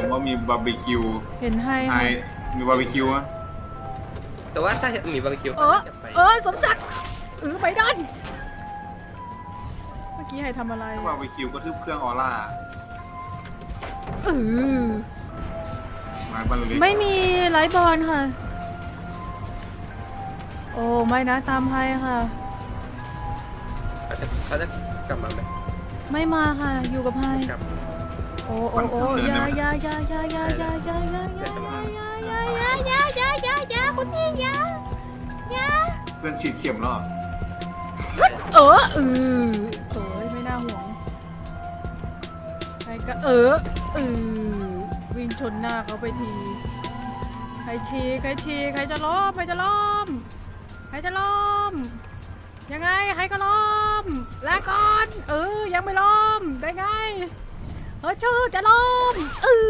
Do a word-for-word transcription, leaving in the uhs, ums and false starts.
ว่ามีบาร์บีคิวเห็นให้ไฮมีบาร์บีคิวอะแต่ว่าถ้ามีบาร์บีคิวเออจะไปเออสมศักดิ์เออไปดันเมื่อกี้ให้ทำอะไรถ้าบาร์บีคิวก็ทึบเครื่องออร่าเออไม้บรรลุไม่มีไลท์บอลค่ะ โอ้ไม่นะตามให้ค่ะเขาจะเขาจะกลับมาไหมไม่มาค่ะ อยู่กับไฮกลับโอ้โอ้โอ้ยายายายายายายายายายายายายายายายาคุณพี่ยายาเพื่อนฉีดเข็มแล้วเหรอเออเออเอ้ยไม่น่าห่วงใครก็เออเออวิ่งชนหน้าเขาไปทีใครชีใครชีใครจะล้มใครจะล้มใครจะล้มยังไงใครก็ล้มลาก่อนเออยังไม่ล้มได้ไงเออชื่อจะล้มเออ